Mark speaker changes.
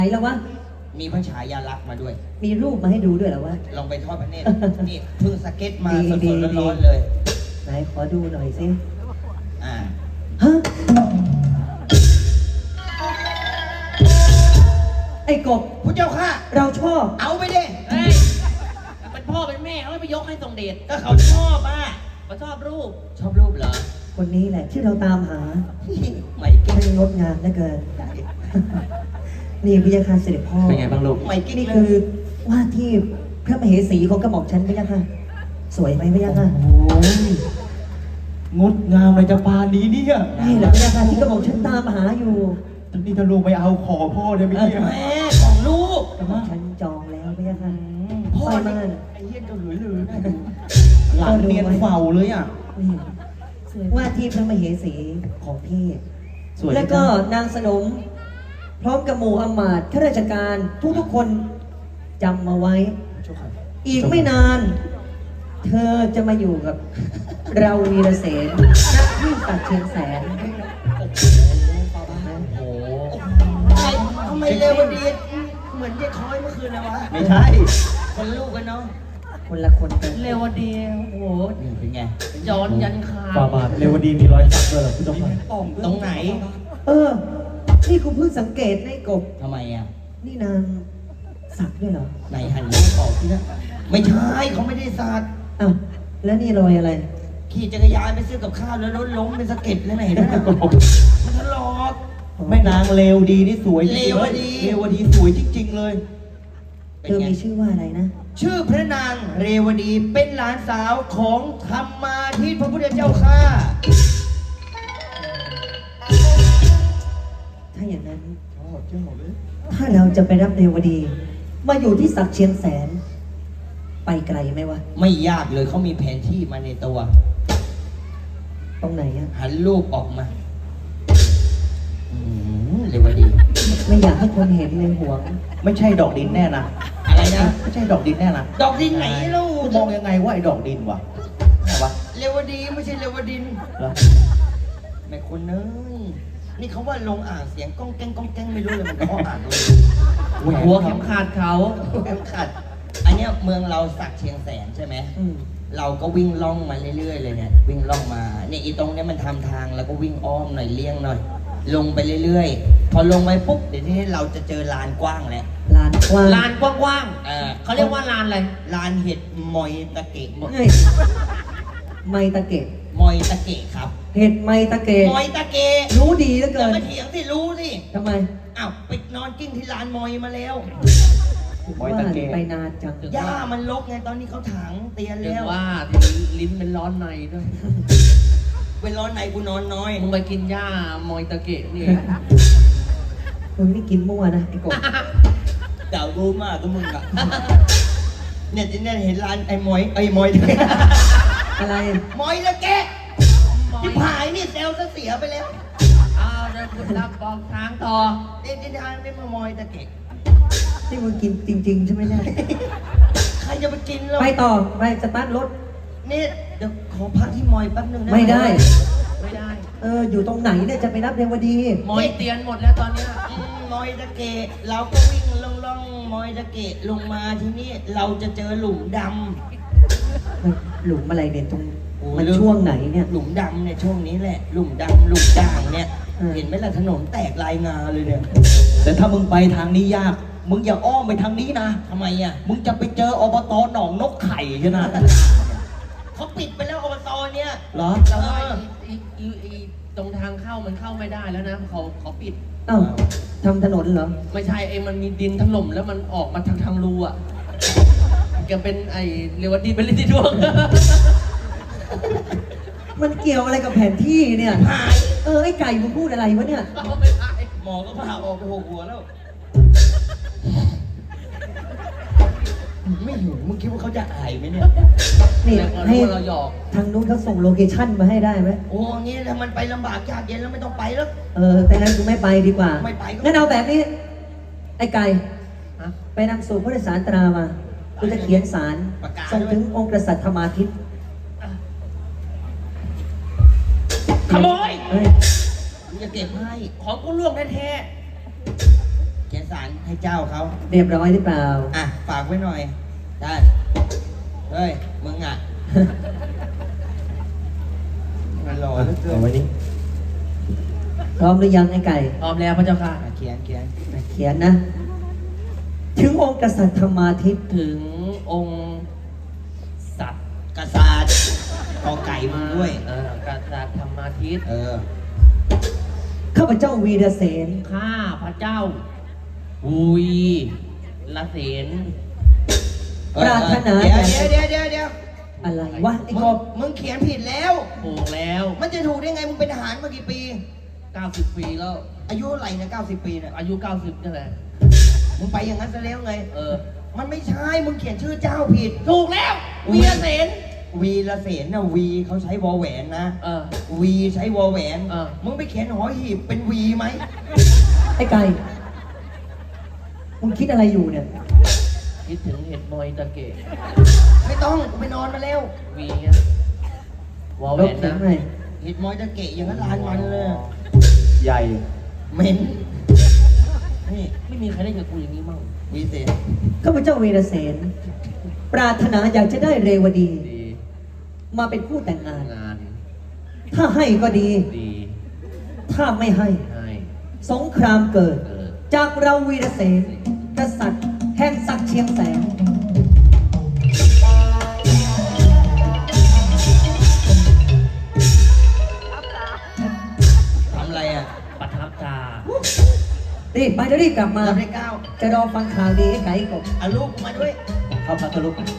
Speaker 1: ไหนแล้ววะ
Speaker 2: มีพระฉายาลักษณ์มาด้วย
Speaker 1: มีรูปมาให้ดูด้วยเหรอวะ
Speaker 2: ลองไปทอดพระเนตร นี่เพิ่งสเก็ตมาส
Speaker 1: ดี
Speaker 2: ด
Speaker 1: ๆ
Speaker 2: ๆร้อนๆเลย
Speaker 1: ไหนขอดูหน่อยสิ
Speaker 2: อ่า
Speaker 1: ฮะไอ้กบ
Speaker 2: พระเจ้าค่ะ
Speaker 1: เราชอบ
Speaker 2: เอาไปดิ
Speaker 3: เฮ้ยเป็นพ่อเป็นแม่เขาไม่ไปยกให้ทรงเดช
Speaker 2: ก็เขาชอบอ่ะ
Speaker 3: เขาชอบรูป
Speaker 2: ชอบรูปเหรอ
Speaker 1: คนนี้แหละที่เราตามหา
Speaker 2: ไม่เก่ง
Speaker 1: ช่างงดงามเหลือเกิน นี่พระยาค่ะเสด็จพ่อ
Speaker 4: เป็นไงบ้างลูก
Speaker 2: ไม่เก่ง
Speaker 1: นี่
Speaker 2: เล
Speaker 1: คือย ว่าที่พระมเหสีของกระหม่อมฉันพระยาค่ะสวยไหมพระยาค่ะ
Speaker 4: โอ้ยงดงามเลยจะปานนี้เนี่ย
Speaker 1: นี่แหละพระยาค่ะที่กระหม่อมฉันตามหาอยู่
Speaker 4: ตอนนี้ถ้าลูกไม่เอาขอพ่อได้ไหมเนี่ย
Speaker 2: แม่ของลูก
Speaker 1: กระหม่อมฉันจองแล้วพระยาค่ะ
Speaker 2: พ่อ
Speaker 1: ไป
Speaker 2: นี่
Speaker 1: บ้าน
Speaker 2: ไอ้เหี้ยเจ้าหลุยลือน่าดู
Speaker 4: หลังเนียนเฝ้าเลยอ่ะ
Speaker 1: นี่ว่าที่พระมเหสีของพี่
Speaker 4: สวย
Speaker 1: แล้วก็นางสนม พร้อมกับหมู่อำมาตย์ข้าราชการทุกๆคนจำมาไว้ อีกไม่นาน เธอจะมาอยู่กับ เราวีรเสนณที่ตัดเชียงแสน
Speaker 4: โอ้
Speaker 2: ทำไมเร็ววันดีเหมือนยายคอยเมื่อคืนเลยวะ
Speaker 4: ไม่ใช่
Speaker 2: คนลูกกันเนาะ
Speaker 1: คนละคนกัน
Speaker 3: เร็วเดียวโอ้โห
Speaker 2: นี่เป็นไง
Speaker 3: ย้อนยันคา
Speaker 4: ฟาบาทเรวดีมีรอยสักด้วยเหรอพี่เจ้าค่ะ
Speaker 2: ตรงไหน
Speaker 1: เออ นี่กูเพิ่งสังเกตในะไอ้กบ
Speaker 2: ทำไมอ่ะ
Speaker 1: นี่นางสักด้วยเหรอ
Speaker 2: ไหนหันลูกออกที่นะไม่ใช่เขาไม่ได้สาด
Speaker 1: อ้าวแล้วนี่รอยอะไร
Speaker 2: ขี่จักรยานไปซื้อกับข้าวแล้วรถล้มเป็นสะเก็ดเลยไหนนะมันทะลอก
Speaker 4: แม่นางเลวดีนี่สวยจริงๆ
Speaker 2: เลวดี
Speaker 4: เลวดีสวยจริงๆเลย
Speaker 1: เธอมีชื่อว่าอะไรนะ
Speaker 2: ชื่อพระนางเรวดีเป็นหลานสาวของธรรมาทิตพระพุทธเจ้าค่ะ
Speaker 1: ถ้าอย่างนั้น ถ้าเราจะไปรับเรวดี มาอยู่ที่สักเชียงแสน ไปไกลไหมวะ
Speaker 2: ไม่ยากเลยเขามีแผนที่มาในตัว
Speaker 1: ตรงไหนอะ
Speaker 2: หันรูปออกมาเรวดี
Speaker 1: ไม่อยากให้คนเห็นเลยหวง
Speaker 4: ไม่ใช่ดอกดินแน่นะ
Speaker 2: อะไรนะ
Speaker 4: ไม่ใช่ดอกดินแน่นะ
Speaker 2: ดอกดินไหนลูก
Speaker 4: มองยังไงว่าไอ้ดอกดินวะไหนวะ
Speaker 2: เรวดีไม่ใช่เรวดิน
Speaker 4: เหรอ
Speaker 2: แม่คุณเนยนี่เขาว่าลงอ่างเสียงก้องแก้งก้องแก้งไม่รู้เลยมันเขาอ่านเลย
Speaker 3: หัวเข็มขาดเขา
Speaker 2: เข็มขัดอันเนี้ยเมืองเราสักเชียงแสนใช่ไหม
Speaker 1: อืม
Speaker 2: เราก็วิ่งล่องมาเรื่อยๆเลยเนี่ยวิ่งล่องมาเนี่ยอีตรงเนี้ยมันทำทางแล้วก็วิ่งอ้อมหน่อยเลี่ยงหน่อย ลงไปเรื่อยๆ พอลงไปปุ๊บเดี๋ยวทีนี้เราจะเจอลานกว้างแล้ว
Speaker 1: ลานกว้าง
Speaker 3: ลานกว้าง เขาเรียกว่าลานอะไร
Speaker 2: ลานเห็ดมอยตะเกะ
Speaker 1: เฮ้ยไมตะเกะ
Speaker 2: มอยตะเกะครับ
Speaker 1: เห็ดไมตะเกะ
Speaker 2: มอยตะเกะ
Speaker 1: รู้ดีเหลือ
Speaker 2: อ
Speaker 1: เกิ
Speaker 2: ย่าน มาเถียงสิรู้สิ
Speaker 1: ทำไม
Speaker 2: อ้าวไปนอนกิ้งที่ลานมอยมาแล้ว
Speaker 4: มอยตะเกะ
Speaker 1: ว่าไปนานจัง
Speaker 2: หญ้ามันรกไงตอนนี้เขาถางเตียน
Speaker 3: เรีย
Speaker 2: แล้
Speaker 3: ก
Speaker 2: ว
Speaker 3: ว่าลิ้นเป็นร้อนในด้วย
Speaker 2: เวลาไหนกูนอนน้อย
Speaker 3: มึงไปกินหญ้ามอยตะเกะนี่
Speaker 1: มึงนี่กินมั่วนะไอ้กบ
Speaker 2: เดารู้มากก็มึงอะเนี่ยที่เนี่ยเห็นร้านไอ้มอยไอ้มอย
Speaker 1: อะไร
Speaker 2: มอยตะเกะที่ผายนี่เซลล์ซะเสียไปแล้ว
Speaker 3: อ้าวเดี๋ยวคุณรับบอกทางต่อ
Speaker 2: เด็กที่ทางไม่มามอยตะเกะ
Speaker 1: ที่มึงกินจริง ๆ ใช่ไหมเนี่ย
Speaker 2: ใครจะไปกินแล้ว
Speaker 1: ไปต่อ ไปสตาร์ทรถ
Speaker 2: นี่เดี๋ยวขอพักที่มอยแป๊บนึงนะ
Speaker 1: ไม่ได้
Speaker 3: ไม่ได้
Speaker 1: อยู่ตรงไหนเนี่ยจะไปรับเรวดี
Speaker 3: มอยเตียนหมดแล้วตอนเนี้ย
Speaker 2: มอยตะเกะเราก็วิ่งล่องๆมอยตะเกะลงมาที่นี่เราจะเจอหลุมด
Speaker 1: หลุมอะไรเนี่ยตรง
Speaker 2: โอ้ย
Speaker 1: มันช่วงไหนเนี่ย
Speaker 2: ำหลุมดำเนี่ยช่วงนี้แหละ หลุมดำหลุมด่างเนี่ย
Speaker 1: อืม
Speaker 2: เห็นไหมล่ะถนนแตกลายงาเลยเนี่ย
Speaker 4: แต่ถ้ามึงไปทางนี้ยาก มึงอย่าอ้อมไปทางนี้นะ
Speaker 2: ทำไมอ่ะ
Speaker 4: มึงจะไปเจออบตหนองนกไข่ใช่ไหม
Speaker 2: เขาปิดไปแล้วอบตเนี่ย
Speaker 4: เหรอ
Speaker 3: แต่ว่าอีตรงทางเข้ามันเข้าไม่ได้แล้วนะเขาปิด
Speaker 1: เอ้าทำถนนเหรอ
Speaker 3: ไม่ใช่มันมีดินถล่มแล้วมันออกมาทางรูอ่ะแกเป็นไอเรียกว่าดินเป็นลิ้นที่ดวง
Speaker 1: มันเกี่ยวอะไรกับแผนที่เนี่ย
Speaker 2: หาย
Speaker 1: ไอ้ไก่มึงพูดอะไรวะเนี่ย
Speaker 3: ไม่ได้
Speaker 2: หมอก็พาออกไปหกหัวแล้ว ไม่หิวมึงคิดว่าเขาจะอายไหมเนี่ย
Speaker 1: นี่
Speaker 3: แล้วก็
Speaker 1: ให้
Speaker 3: รู้ว่าเราหยอก
Speaker 1: ทางนู้นเขาส่งโลเคชั่นมาให้ได้ไหม
Speaker 2: โอ้งี้ถ้ามันไปลำบากยากเย็นแล้วไม่ต้องไปแล้ว
Speaker 1: แต่งั้นกูไม่ไปดีกว่า
Speaker 2: ไม่ไปก็
Speaker 1: งั้นเอาแบบนี้ ไอ้ไก่
Speaker 3: ฮะ
Speaker 1: ไปนำสู่ผู้โดยสารตรามากูจะเขียนสารส่งถึงองค์กษัตริย์ธรรมาทิตย์
Speaker 3: ขโมย
Speaker 1: เฮ้ย
Speaker 2: กูจะเก็บให้
Speaker 3: ของกูล่วงแท้
Speaker 2: เขียนสารให้เจ้าเขา
Speaker 1: เรียบร้อยหรือเปล่า
Speaker 2: อ่ะฝากไว้หน่อยท่านเฮ้ยมึงอ่ะมันรอเหลือเกิน
Speaker 4: เอาไว้นี่
Speaker 1: พร้อมหรือยังไอ้ไก่
Speaker 3: พร้อมแล้วพระเจ้าค่ะ
Speaker 2: อ่ะเขียน
Speaker 1: เขียนนะ ถึงองค์กษัตริย์ธรรมาทิตย์
Speaker 3: ถึงองค์สัตว์
Speaker 2: กษาดกอไก่มึงด้วย
Speaker 3: กษัตริย์ธรรมาทิตย์
Speaker 1: ข้าพเจ้าวีรเสน
Speaker 3: ข้าพระเจ้าวีละเสน
Speaker 1: ปรารถนา
Speaker 2: เดี๋ยว
Speaker 1: อะไรวะไอ้กบ
Speaker 2: มึงเขียนผิดแล้ว
Speaker 3: ถูกแล้ว
Speaker 2: มันจะถูกได้ไงมึงเป็นทหารมากี่ปี
Speaker 3: 90 ปีแล้ว
Speaker 2: อายุอะไรนะ90 ปีเนี่ย
Speaker 3: อายุ 90นี่แหละ
Speaker 2: มึงไปอย่างนั้นซะแล้วไง มันไม่ใช่ มึงเขียนชื่อเจ้าผิด
Speaker 3: ถูกแล้ววีละเสน
Speaker 2: วีละเสนนะวีเขาใช้วอแหวนนะ วีใช้วอแหวน มึงไปเขียนหอหีบเป็นวีไหม
Speaker 1: ไอ้ไก่ มึงคิดอะไรอยู่เนี่ย
Speaker 3: คิดถึงเห็ดมอยตะเกะ
Speaker 2: ไม่ต้องกูไปนอนมาแล้ว
Speaker 3: วีเงี้ยวอล
Speaker 1: ล
Speaker 3: แหว
Speaker 1: บ
Speaker 3: น
Speaker 1: เขียน
Speaker 3: นะ
Speaker 1: หน่อย
Speaker 2: เห็ดมอยตะเกะอย่างนั้นลานมันเลย
Speaker 4: ใหญ่
Speaker 2: เหม็นนี่
Speaker 3: ไม่มีใครได้กับกูอย่างนี้มั่ง
Speaker 2: วีเสน
Speaker 1: ข้าพเจ้าวีรเสน ปรารถนาอยากจะได้เรวดี
Speaker 3: ดี
Speaker 1: มาเป็นคู่แต่งงาน
Speaker 3: งาน
Speaker 1: ถ้าให้ก็ดี
Speaker 3: ดี
Speaker 1: ถ้าไม่ให้
Speaker 3: ให้
Speaker 1: สงครามเกิด
Speaker 3: เกิด
Speaker 1: จากเราวีรเสน กษัตริย์แห่งศักดิ์เชียงแสน
Speaker 2: ทำอะไรอ่ะ
Speaker 3: ประทับตา
Speaker 1: รีบไปแล้วรีบกลับมา
Speaker 2: เราได้ก้าว
Speaker 1: จะรอฟังข่าวดีไอ้ไก่กบ
Speaker 2: เอาลูกกูมาด้วย
Speaker 1: เข้าพัทลุก